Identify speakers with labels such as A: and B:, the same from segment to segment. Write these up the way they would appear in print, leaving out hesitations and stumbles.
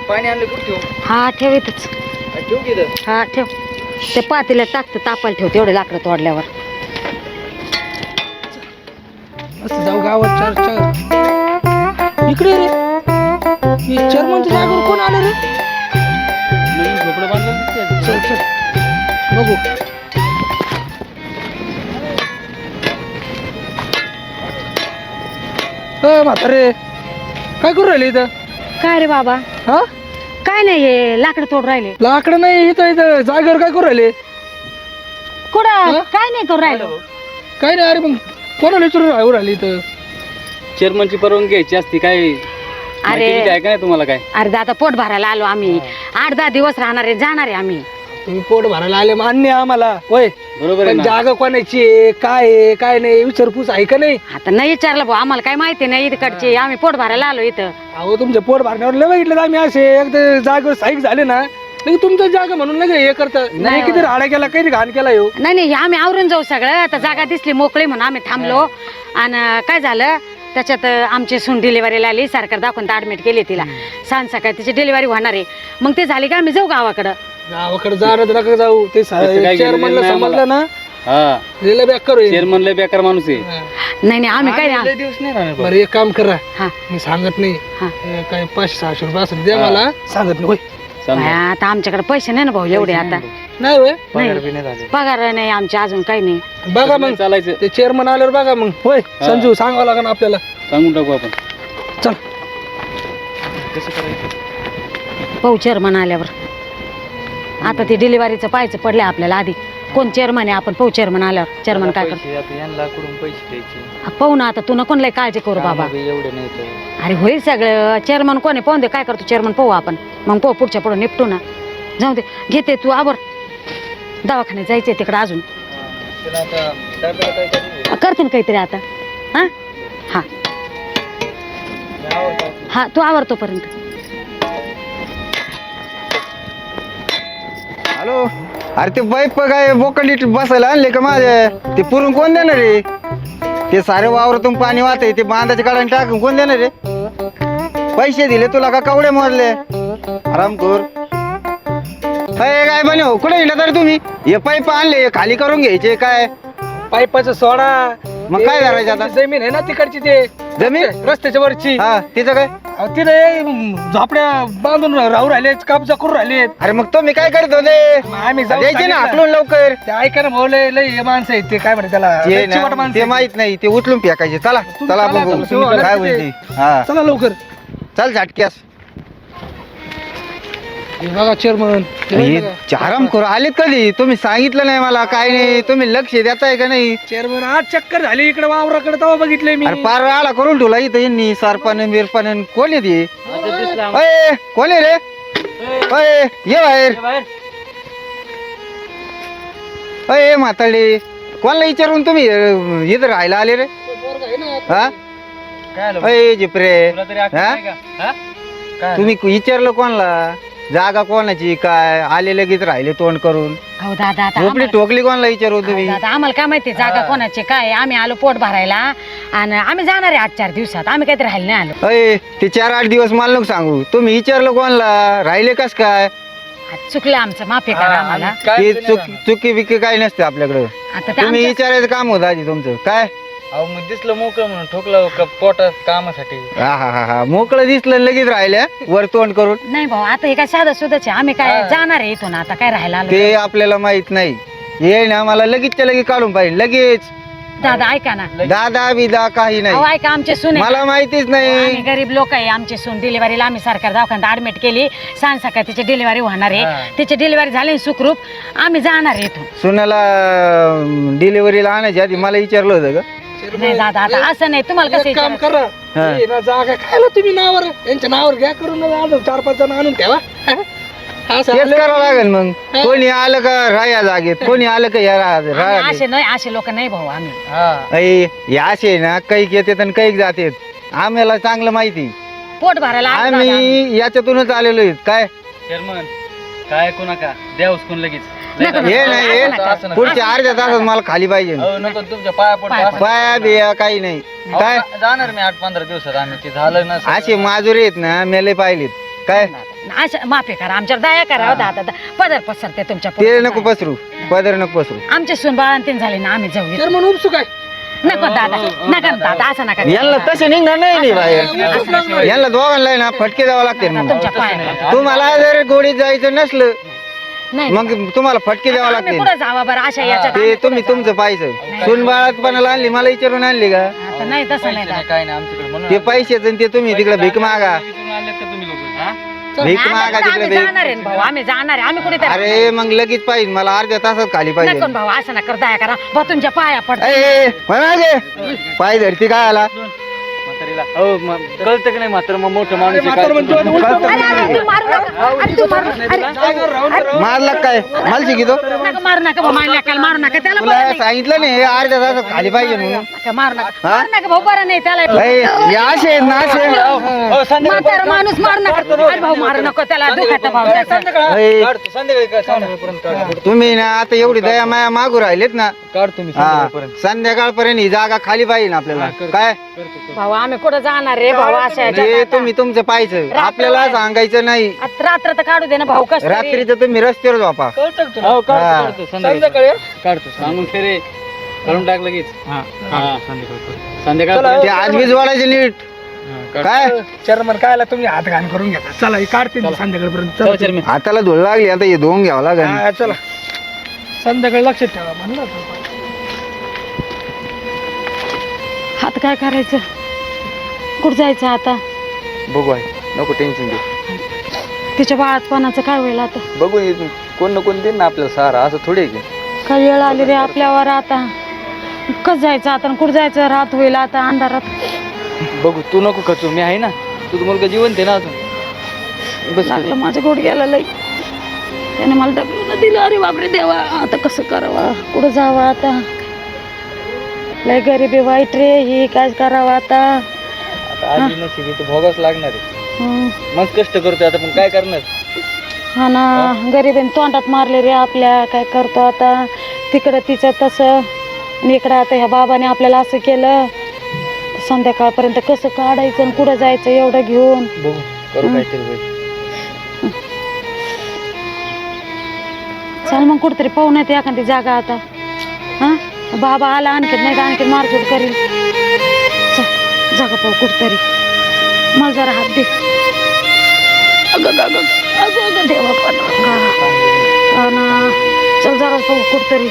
A: पाणी आणलं कुठे ठेवू?
B: हा ठेव इथंच.
A: ठेवू की इथं?
B: हा ठेव. ते पातेल्यात टाकतं तापायला ठेव तेवढे लाकडं तोडल्यावर.
C: असं जाऊ गावात चार चार इकडे रे. चेअरमनच्या जागेवर कोण आलं रे?
A: नवीन झोपडं बांधलं दिसतंय.
C: चल चल बघू. म्हातारे काय करू राहिले इथं?
B: काय रे बाबा?
C: हा
B: काय नाही हे लाकडं तोड राहिले.
C: लाकडं नाही इथं इथं जागेवर काय करू राहिले?
B: कुठं
C: हा?
B: काय नाही करू राहिलो.
C: काय नाही अरे मग कोणाला विचारून राहू राहिले इथं?
A: चेअरमनची परवानगी घ्यायची असती काय?
B: अरे
A: आहे का नाही तुम्हाला काय?
B: अरे दादा पोट भरायला आलो आम्ही. 8-10 दिवस राहणार आहे जाणार आहे आम्ही.
C: तुम्ही पोट भरायला आले मान्य आहे आम्हाला होय.
A: बरोबर आहे
C: पण
A: ना?
C: जागा कोणाची आहे काय आहे काय नाही विचारपूस आहे का नाही?
B: आता नाही विचारलं भाऊ आम्हाला काय माहिती नाही इकडचे. आम्ही पोट भरायला आलो इथं.
C: अहो तुमच्या पोट भरण्यावर लय बघितलं तर आम्ही असे एकदा जागेवर साईक झाले ना लगे तुमचं जागा म्हणून लगे हे करता नाही किती राडा केला काही घाण केला येऊ.
B: नाही नाही आम्ही आवरून जाऊ सगळं. आता जागा दिसली मोकळी म्हणून आम्ही थांबलो. आणि काय झालं त्याच्यात आमची सून डिलिव्हरीला आली. सरकार दाखवून ऍडमिट केली तिला. सांज सकाळी तिची डिलिव्हरी होणार आहे. मग ते झाली का आम्ही जाऊ गावाकडं.
C: गावाकडे जाणं नका जाऊ ते
A: काय
C: चेअरमनला
A: गेलेलं नाही
C: समजलं ना
A: हा.
C: लिहिलं बॅक करू.
A: चेअरमन लय बेकार माणूस आहे.
B: नाही नाही आम्ही काय नाही.
A: दिवस नाही राहणार
C: बरं एक काम करा
B: हा
C: मी सांगत नाही
B: हा.
C: काय 500-600 रुपये असेल द्या मला सांगत नाही होय.
B: बाया, आता आमच्याकडे पैसे नाही ना भाऊ एवढे. आता
C: नाही होय
B: नाही पगार नाही आमचे अजून काही नाही.
C: बघा मग
A: चालायचं.
C: ते चेअरमन आल्यावर बघा मग होय. संजू सांगावं लागेल आपल्याला.
A: सांगून टाकू आपण.
C: चल
A: कसं करायचं?
B: भाऊ चेअरमन आल्यावर आता ते डिलिव्हरीचं पाहायचं पडलं आपल्याला. आधी कोण चेअरमन आहे आपण पाहू. चेअरमन आल्यावर चेअरमन काय करतो
A: यांना पैसे द्यायचे
B: पाहू ना. आता तू नको लय काळजी करू बाबा.
A: एवढे नाही तर
B: अरे होईल सगळं. चेअरमन कोण आहे पाहून दे काय करतो चेअरमन पाहू आपण. मग पाहू पुढच्या पुढे निपटू ना. जाऊ दे घेते तू आवर. दवाखान्यात जायचंय तिकडं अजून. करते ना काहीतरी आता. हा हा हा तू आवर तोपर्यंत.
D: हॅलो अरे ते बाईक काय बोकंडी बसायला आणले का माझे? ते पुरून कोण देणार रे? ते सारे वावरातून पाणी वाहते ते बांधाच्या काढून टाकून कोण देणार रे? पैसे दिले तुला का कवडे मोजले? आरामखोर काय म्हणे हो कुठे गेला तरी तुम्ही? हे पाईप आणले खाली करून घ्यायचे काय?
C: पाईपाचं सोडा.
D: मग काय करायचं आता?
C: जमीन आहे ना तिकडची ते
D: जमीन
C: रस्त्याच्या वरची.
D: हा तिचं काय?
C: अहो, तिथे झोपड्या बांधून राहू राहिले कब्जा करून राहिले.
D: अरे मग तुम्ही काय करत होते?
C: मग आम्ही जाऊन
D: द्यायचे ना
C: सांगितलं.
D: हाकलून लवकर.
C: ते ऐका ना भाऊ लय लय हे माणसं आहेत ते काय म्हणते त्याला
D: ते
C: लय चिवट
D: ना
C: माणसं
D: ते
C: आहेत.
D: माहित नाही ते उचलून फेकायचे. चला
C: तुम्ही
D: चला
C: चला,
D: बघू
C: तुम्ही
D: काय
C: चला.
D: होईल ते. हा
C: चला लवकर.
D: चल झटक्यास.
C: हे बघा चेअरमन
D: चाराम करू आलेत कधी? तुम्ही सांगितलं नाही मला काय नाही. तुम्ही लक्ष देताय का नाही?
C: चेअरमन आज चक्कर झाली इकडे वावराकडे तेव्हा बघितले मी.
D: अरे पार आळा करून ठेवला इथं यांनी. सरपण बिरपण कोण येते? अय कोण आहे रे? अय ये बाहेर. अय म्हाताडे कोणाला विचारून तुम्ही इथं राहायला आले रे? हा अय जिपरे हा? तुम्ही विचारलं कोणाला? जागा कोणाची काय? आले लगेच राहिले तोंड करून.
B: हो दादा आता
D: झोपडी
B: आम्हाला-
D: ठोकली कोणाला विचारू तुम्ही?
B: दादा आम्हाला काय माहिती जागा कोणाची काय. आम्ही आलो पोट भरायला आणि आम्ही जाणार आहे 8-4 दिवसात. आम्ही काहीतरी राहायला नाही आलो.
D: अय ते 4-8 दिवस मला नको सांगू. तुम्ही विचारलं कोणाला? राहिले कस काय?
B: आज चुकलं आमचं माफी करा आम्हाला.
D: ते चुकी बिकी काही नसते आपल्याकडं.
B: आता ते
D: तुम्ही
B: आमच्या-
D: विचारायचं काम होतं आधी तुमचं काय?
A: अहो मग दिसलं मोकळं म्हणून ठोकलं पोटात कामासाठी.
D: हा हा हा हा मोकळं दिसलं लगेच राहिल्या वर तोंड करून.
B: नाही भाऊ आता हे काय साधं सुधच आहे. आम्ही काय जाणार आहे इथून आता काय राहायला आलो.
D: ते आपल्याला माहित नाही. ये ना मला लगेचच्या लगेच काढून पाहिजे लगेच.
B: दादा ऐका ना.
D: दादा बिदा काही
B: अहो
D: नाही.
B: ऐका आमचे सून आहे.
D: मला माहितीच
B: आम्ही
D: नाही.
B: गरीब लोक आहे. आमची सून डिलिव्हरीला आम्ही सरकार दवाखान्यात ऍडमिट केली. सांज सकाळी तिची डिलिव्हरी होणार आहे. तिची डिलिव्हरी झाली ना सुखरूप. आम्ही जाणार आहे इथून.
D: सुनाला डिलिव्हरीला आणायची आधी मला विचारलं होतं का?
B: नाही दादा आता असं नाही. तुम्हाला कसं
C: एक काम
B: विचारायचं?
C: करा हे ना जागा खायला तुम्ही नावावर यांच्या नावावर घ्या करून 4-5 जण आणून ठेवा. असं
D: तेच
C: आलं.
D: करावं लागेल मग. कोणी आलं का राया जागेत कोणी आलं का या
B: आम्ही
D: राया
B: असे नाही असे लोक नाही भाऊ आम्ही.
D: या असे ना कैक येतात आणि कैक जातात. आम्हाला चांगलं माहिती.
B: पोट भरायला आलो दादा आम्ही.
D: आम्ही याच्यातूनच आलेलो आहेत काय.
A: चेअरमन काय ऐकू नका द्या उचकून लगेच.
B: नका,
D: हे
B: नका,
D: नाही
B: असं नका.
D: हे पुढच्या अर्ध्या तासात मला खाली पाहिजे.
A: नको तुमच्या पाया पडतो.
D: पाया बिया काही नाही काय.
A: जाणार मी 8-15 दिवसात. आम्ही ते झालं ना
D: असे माजुरे आहेत ना मेले पाहिलेत काय.
B: अशा माफी करा आमच्यावर दया करा दादा पदर पसरते तुमच्या
D: ते
B: पुढे.
D: नको पसरू पदर नको पसरू
B: आमचे सून बाळंतीन झाले ना आम्ही जाऊ
C: तर म्हणून उपसू काय
B: नको दादा नका ना दादा असं नका
D: यांना तसे निघणार नाही बाहेर यांना दोघांना ना फटके द्यावं लागते मग
B: तुमच्या पाया
D: तुम्हाला जर गोडीत जायचं नसलं
B: नाही
D: मग तुम्हाला फटके द्यावं
B: आम्ही
D: लागते
B: पुढे जावा बरं अशा याच्यात
D: ते
B: आम्ही
D: तुम्ही
B: पुढं
D: तुमचं पाहिजे सून बाळातपणाला आणली मला विचारून आणली का
B: जाऊ. आता नाही तसं नाही दादा.
A: काय नाही आमच्याकडे म्हणून
D: ते पैसेच आणि ते तुम्ही तिकडे भीक मागा
A: विचारून आलेत का तुम्ही लोक हा?
D: भीक
B: नाही,
D: मागा
B: आता
D: तिकडे
B: आम्ही
D: भीक
B: जाणार आहे ना भाऊ आम्ही जाणार आहे आम्ही कुठे
D: अरे मग लगेच पाहिजे मला अर्ध्या तासात खाली पाहिजे
B: नको ना भाऊ असं नका दया करा भाऊ तुमच्या पाया पडतो
D: पाय धरती काय आला
A: म्हातारीला हो कळतं की नाही मात्र मग मोठं माणूस आहे,
C: म्हातारं
A: काय
C: म्हणतो,
A: तुम्ही-
C: उलटं
B: अरे अरे तू मारू नका अरे तू मारू अरे
D: मारला काय मला शिकितो
B: नका मारू नका भाऊ मारल्या काय मारू नका त्याला
D: तुला
B: बरं नाही.
D: सांगितलं नाही हे अर्ध्या तासात खाली पाहिजे म्हणून
B: नका मारू नका
D: हा?
B: मारू नका भाऊ बरं नाही त्याला
D: हे असे आहेत ना असे
A: हो, संध्याकाळी
B: म्हातारा माणूस मारू नका अरे भाऊ मारू नको त्याला दुखायचं भाऊ त्याचं.
D: हे,
A: काढतो संध्याकाळी काय संध्याकाळपर्यंत काढतो.
D: तुम्ही ना आता एवढी दया माया मागू राहिलेत ना
A: काढतो मी
D: हा
A: संध्याकाळपर्यंत
D: संध्याकाळपर्यंत ही जागा खाली पाहिजे ना आपल्याला काय
B: भाऊ आम्ही कुठं जाणार रे भाऊ अशा
D: हे
B: ह्याच्यात
D: तुम्ही तुमचं पाहायचं आपल्याला सांगायचं नाही
B: आता रात्र तर काढू दे ना भाऊ कसं तरी.
D: रात्रीचं तुम्ही रस्त्यावर झोपा
A: हो
D: हा.
A: काढतो संध्याकाळी काढतो सांगून फेरे करून टाक लगेच हा संध्याकाळ
D: ते आजबीज वाढायचे नीट काय
C: चेअरमन काय तुम्ही हात घाण करून घेता चला हे काढते ना संध्याकाळपर्यंत चला.
D: हाताला धूळ लागली आता हे धुवून घ्यावं लागेल
C: हा, चला संध्याकाळी लक्षात ठेवा म्हणलं होतं.
B: हात काय करायचं कुठं जायचं आता
D: बघू आहे नको टेन्शन घेऊ
B: तिच्या बाळातपणाचं काय होईल आता
D: बघू कोण ना कोण देईन ना आपल्याला सारा असं थोडे की
B: काय वेळ आली रे आपल्यावर आता कसं जायचं आता कुठं जायचं रात होईल आता अंधारात
A: बघू तू नको खचू मी आहे ना तू मुलगा जिवंत आहे ना अजून बस
B: लागलं माझं गोड गेला लई त्याने मला डबलून दिलं अरे बापरे देवा आता कसं करावं कुठं जावं आता लय गरिबी वाईट रे ही काय करावं आता
A: आधी नशिबी तर भोगाच लागणार आहे
B: हं.
A: मग कष्ट करतोय आता पण काय करणार
B: हा ना गरिबीने तोंडात मारले रे आपल्या काय करतो आता तिकडं तिचं तसं आणि इकडं आता ह्या बाबाने आपल्याला असं केलं संध्याकाळपर्यंत कसं काढायचं आणि कुठं जायचं एवढं घेऊन
A: बघू करू काहीतरी होईल
B: चल मग कुठतरी पाहून येते एखादी जागा आता हा बाबा आला आणखीन नाही तर आणखीन मारझोड करील चल जागा पाहू कुठतरी मला जरा हात दे अगं अगं अगं अगं अगं देवा पण हा ना चल जरा पाहू कुठतरी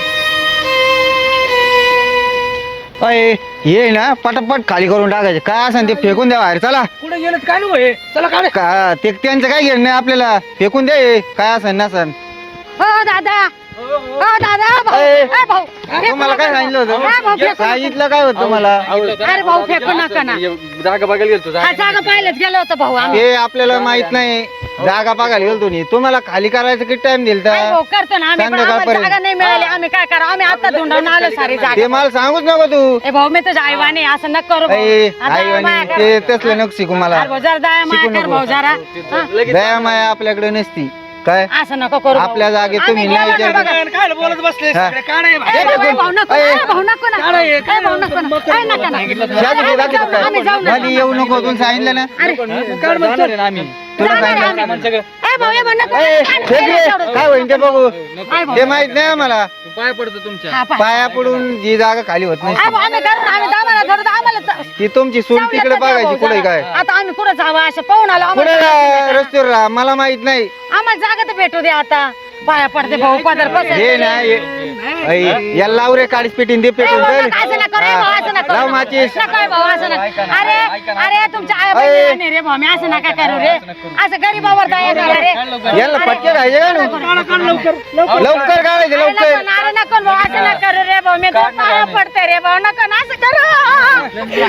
D: अय ये ना पटापट खाली करून टाकायचे काय असं ते फेकून द्या बाहेर चला
C: कुठे गेलं काय नको हे चला काढे
D: का ते त्यांचं काय घेणं नाही आपल्याला फेकून द्या हे. काय असं नसन
B: हो दादा हो दादा भाऊ
D: ए,
B: ए, भाऊ
D: तुम्हाला काय सांगितलं
B: हा, भाऊ,
D: होतं
B: फेकून
D: सांगितलं काय होतं मला
B: अरे भाऊ फेकू नका ना
A: जागा बघायला गेलो
B: हा जागा पाहिलंच गेलो होतं भाऊ आम्ही
D: ते आपल्याला माहित नाही जागा बघायला गेलो तुम्ही तुम्हाला खाली करायचं किती टाइम दिल
B: काय भाऊ करतो ना आम्ही पण आम्हाला
D: संध्याकाळपर्यंत.
B: जागा नाही मिळाली आम्ही काय करा आम्ही आता धुंडावून आलो सारी
D: ते
B: जागा
D: मला सांगूच नको तू
B: ए भाऊ मी तुझ्या आईवाने असं नक करू भाऊ.
D: आई
B: आता
D: आई
B: माया कर.
D: ते तसलं नको शिकू मला
B: अरे भाऊ, जरा दया माया
D: शिकू
B: कर
D: नको.
B: भाऊ जरा हा?
D: दया माया आपल्याकडे नसती काय
B: असं नको करू भाऊ.
D: आपल्या जागेत
B: आम्ही
D: तुम्ही नाही
B: गेलो ना
D: विचार
B: बघा.
C: काय बोलत बसले
D: हा.
C: सगळे काढे
B: ए, भाऊ, ए, भाऊ नको
D: ए,
B: ए, भाऊ नको ना
C: काढा हे,
B: ए, भाऊ नको ना ए, नका ना. आम्ही जाऊ ना.
D: मध्ये येऊ नको तुम्ही सांगितलं ना
A: जाणार आहे ना आम्ही
D: तुला
B: जाणार आहे
D: सांगितलं
B: आम्ही.
A: सगळं
B: ए, भाऊ, ए, भाऊ, नको.
D: ए, फेक रे. काय होईल ते बघू
B: ए, भाऊ.
D: ते माहित नाही आम्हाला
A: पाय पडतो तुमच्या
B: हा, पाय.
D: पाया पडून जी जागा खाली होत
B: ए,
D: नाही
B: भाऊ, आम्ही करू, आम्ही दाबाला धरू, तर आम्हाला
D: ती तुमची सून
B: जाऊया
D: तिकडे
B: तर द्या
D: बघायची
B: भाऊ
D: कुठे
B: जरा.
D: काय
B: आता आम्ही कुठं जावं असं पाहून आलो
D: कुठे
B: आम्हाला
D: रस्त्यावर राहा मला माहित नाही
B: आम्हाला जागा तर भेटू दे आता पाया पडते भाऊ पदर
D: हे ना याला लाव रे काळीच पेटीन ते पेटून लाव माचीस
B: अरे तुमच्या आई बहिणी रे भाऊ मी असं नका करू रे असं गरीबावर दया करा रे
D: याला फटके खायचे का नु? लवकर काढायचे लवकर
B: अरे नको भाऊ असं नका करू रे भाऊ मी तर पाया पडते रे भाऊ नको ना असं करू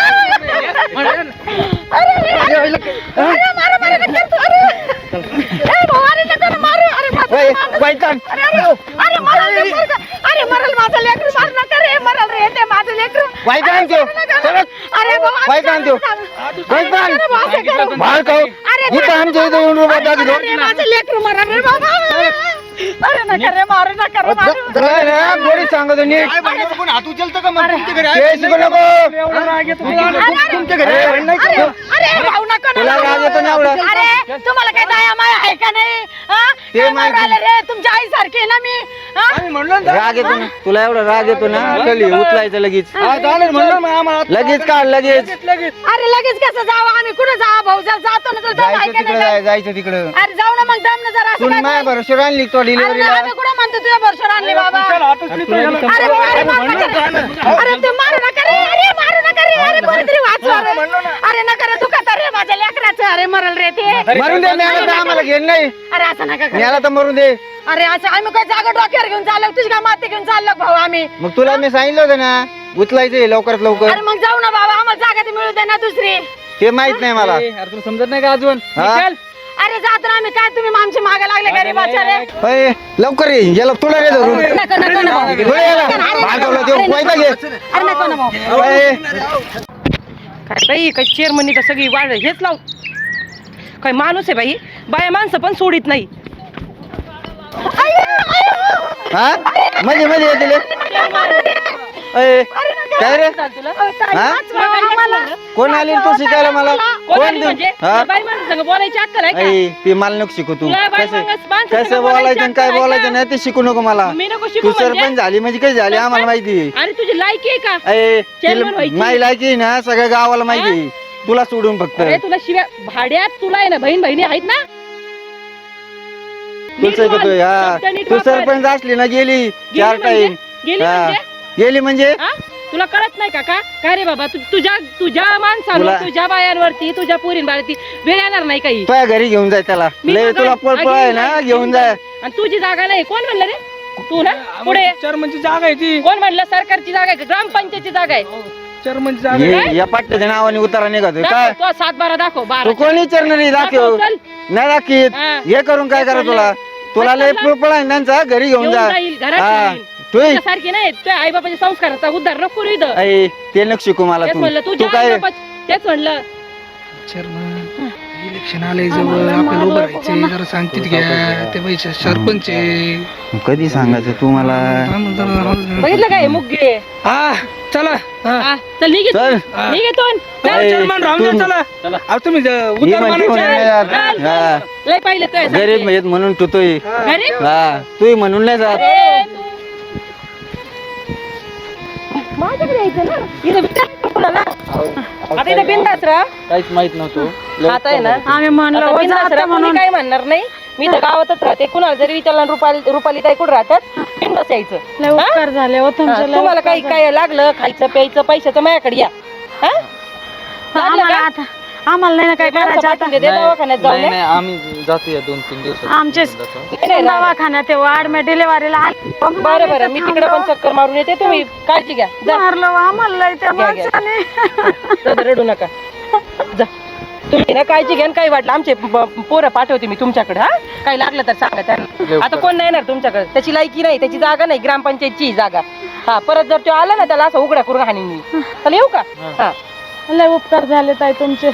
B: अरे मारू मारू नका तू, अरे. ए भाऊ अरे नका ना मारू अरे मारू.
D: ओय, वैताग.
B: अरे मरल रे पोरगं. अरे मरल माझं लेकरू मार नका रे मरल रे ते माझं लेकरू
D: वैताग त्यो. सरक.
B: अरे भाऊ असं
D: वैताग त्यो. वैताग.
B: अरे भाऊ, असं करू.
D: बाळ खाऊ.
B: अरे
D: इथं आमच्या इथं येऊन उभा टाकी दो.
B: अरे माझं लेकरू मरल रे बाबा अरे नका रे मारू नका रे मारू
D: काय ना गोडी सांगतो नीट
C: हात उचलतो का मग तुमच्या घरी
D: ते शिकू नको
C: एवढा राग येतो तुला?
B: अरे,
C: तुमच्या घरी
B: अरे भाऊ नको
D: तुला राग येतो ना एवढा?
B: अरे तुम्हाला काही दया माया आहे का नाही हा?
D: ते
B: काय
D: माहिती.
B: मारू राहिले रे तुमच्या आई सारखी आहे ना मी हा?
C: आम्ही म्हणलो ना
D: राग येतो ना तुला एवढा राग येतो ना चल उचलायचं लगेच
C: हा, चालेल म्हणलं मग आम्हाला
D: लगेच काढ लगेच
C: लगेच
B: अरे लगेच कसं जावं आम्ही कुठे जावं भाऊ जातो ना तुला दम आहे
D: जायचं
B: का नाही?
D: तिकडं जायचं तिकडं
B: अरे जाऊ ना मग दम ना जरा असं
D: तू
B: काय
D: माझ्या
B: नाही.
D: भरोश्यावर आणली तो
B: अरे
D: डिलिव्हरीला
B: आम्ही कुठं म्हणतो तुझ्या भरशावर आणले बाबा
C: चला, ऑटो स्लिप
A: तुला
C: झालं.
A: किती
B: अरे मारू नका रे. अरे ते मारू नका रे अरे मारू नका रे अरे कोणीतरी वाचवा रे. अरे नका रे दुखत रे माझ्या लेकराचं अरे मरल रे ते
D: मरून दे मला तर आम्हाला घेण नाही
B: अरे असं नका करू.
D: मला तर मरून दे
B: अरे असं आम्ही काय जागा डोक्यावर घेऊन चाललो तुझी काय माती घेऊन चाललो भाऊ आम्ही
D: मग तुला मी सांगितलं होतं ना उचलायचं लवकरात लवकर
B: अरे मग जाऊ ना बाबा आम्हाला जागा ती मिळू दे ना दुसरी
D: ते माहित नाही मला
A: अरे तुला समजत नाही का अजून
D: हा?
A: निकाल.
B: अरे जात ना आम्ही काय तुम्ही आमची मागे लागले गरीबाच्या रे
D: अय, लवकर ये याला तुला रे धरून
B: नको नको ना भाऊ.
D: थोडं याला भागवलं देऊ पैसा घे
B: अरे नको ना भाऊ
D: अय,
E: काय बाई काय चेअरमनी तर सगळी वाढ हेच लाव काय माणूस आहे बाई बाया माणसं पण सोडित नाही
D: हा मध्ये मध्ये येतील अय, काय रे हा? कोण आली तू शिकायला मला
E: कोण
D: कोण
E: आली
D: देऊ?
E: म्हणजे
D: हा?
E: बाई माणूस संग बोलायची अक्कल आहे का
D: अय, ते मला नको शिकू तू
E: तुला बाई
D: कसं
E: माणूस- माणसं
D: कसं
E: संग
D: बोलायचं आणि काय
E: बोलायचं
D: बोलायचं
E: आहे
D: नाही ते शिकू नको मला
E: मी नको शिकू
D: तू
E: म्हणजे?
D: सरपंच झाली म्हणजे काही झाली आम्हाला माहिती
E: आणि तुझी लायकी आहे का
D: अय,
E: चेअरमन
D: तिला
E: व्हायची.
D: माही लायकी आहे ना सगळ्या गावाला माहिती आहे. तुला सोडून फक्त
E: अरे तुला शिव्या भाड्यात तुला आहे ना बहिणी आहेत ना
D: तू
E: नीट बोल,
D: शिकतोय हा
E: शब्द नीट
D: तू
E: वापर.
D: सरपंच असली ना गेली चार
E: म्हणजे?
D: टाइम
E: गेली
D: हा.
E: म्हणजे
D: गेली म्हणजे
E: हा? तुला कळत नाही का काय रे बाबा तुझ्या
D: तुला-
E: माणसांवर तुझ्या बायांवरती तुझ्या पोरींवरती वेळ येणार नाही काही
D: तुझ्या घरी घेऊन जाय त्याला
E: मी
D: लय
E: मागं-
D: तुला पळपळ आहे ना
E: मागे
D: घेऊन जाय
E: आणि तुझी जागा नाही कोण म्हणलं रे तू ना पुढे
C: चेअरमनची जागा आहे ती
E: कोण म्हणलं सरकारची जागा आहे का? ग्रामपंचायतची जागा आहे
C: चेअरमनची जागा आहे.
D: ये- या पाट्याच्या नावाने उतारा निघतोय काय
E: दाखव, तो 7-12 दाखव 12
D: तू कोणी विचारणार नाही दाखव
E: चल.
D: नाही दाखीत
E: हा.
D: हे करून काय करा तुला तुला लय पळपळ आहे ना त्यांचा घरी घेऊन
E: घेऊन
D: जा
E: जाईल, घरात
D: हा
E: ठेवील.
D: तू
E: सारखी नाही तुझ्या आई बाबाच्या संस्काराचा उद्धार नको करू इथं
D: अय, ते नको शिकू मला
E: तेच म्हणलं
D: तू
E: तुझ्या
D: काय
E: तेच म्हणलं
C: चेअरमन इलेक्शन आलंय जवळ आपल्याला उभं राहायचंय जरा सांगतील घ्या ते पैसे सरपंच आहे.
D: कधी सांगायचं तू मला
E: बघितलं काय मुग्गे
C: हा चला हा.
E: हा, चल निघ
D: चल
C: हा.
E: निघेतोन
C: चला, चेअरमन राहून द्या,
D: तू-
C: चला
A: चला.
C: अहो, तुम्ही
D: ये
C: उतार
D: म्हणते म्हणून नाही
C: मानायचे.
D: जात. हा.
E: लय पाहिलं तुझ्या
D: गरीब
E: सारखे.
D: आहेत म्हणून टुतोय
E: गरीब
D: हा तू म्हणून नाही जात
E: अरे, माझ्याकडे यायचं ना इथं विचार कोणाला? आता इथं बिंदास राहा
A: काहीच माहित नव्हतं
E: आता आहे ना
B: आम्ही म्हणलं
E: आता
B: हो
E: बिनधास्त
B: जातं
E: राहा, कोणी
B: म्हणून
E: काय म्हणणार नाही मी तर गावातच राहते कुणाला जरी विचारलं रुपाली ताई कुठं राहतात बिनधास्त यायचं
B: लय उपकार झाले हो
E: हा,
B: तुमचे लय
E: तुम्हाला
B: उपकार
E: काही
B: झाले.
E: काय लागलं खायचं प्यायचं पैशाचं माझ्याकडे या हा? लागलं
B: आम्हाला
E: का?
B: आता आम्हाला नाही ना काय
E: माणसं
B: करायचं आता
E: पाठवून दे, दवाखान्यात जाऊन
A: नाही
E: या.
A: नाही आम्ही जातो या 2-3 दिवसात
B: आमचे
E: नाही, नाही, राहा.
B: दवाखान्यात वाढ डिलेवरीला
E: बरं बरं मी तिकडे पण चक्कर मारून येते तुम्ही काळजी घ्या जा
B: मारलं हो आम्हाला लय त्या
E: घ्या, घ्या.
B: माणसाने
E: जा, रडू नका जा तुम्ही ना काळजी घ्या आणि काही वाटलं आमचे पोरं पाठवते मी तुमच्याकडे हा काही लागलं तर सांगा त्यांना आता कोण नाही येणार तुमच्याकडे त्याची लायकी नाही त्याची जागा नाही ग्रामपंचायतची जागा हा परत जर तो आला ना त्याला असं उघड्या करून हाणीन मी चला येऊ का हा
B: लय उपकार झाले ताई तुमचे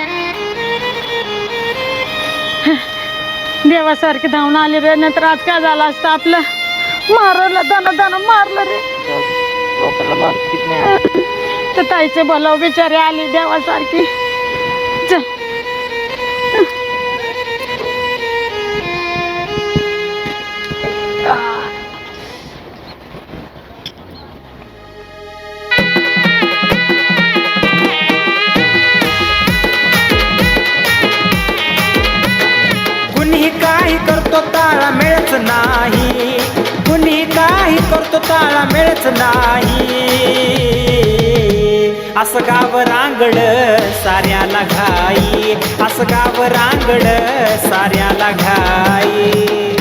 B: देवासारखे धावून आले रे नाहीतर आज काय झालं असतं आपलं मारलं दाना मारलं रे तर ताईचे भलाव बिचारे आले देवासारखी चल
F: कुणी काही करतो ताळा मिळत नाही कुणी काही करतो ताळा मिळत नाही असं गाव रांगड साऱ्याला घाई असं गाव रांगड साऱ्याला घाई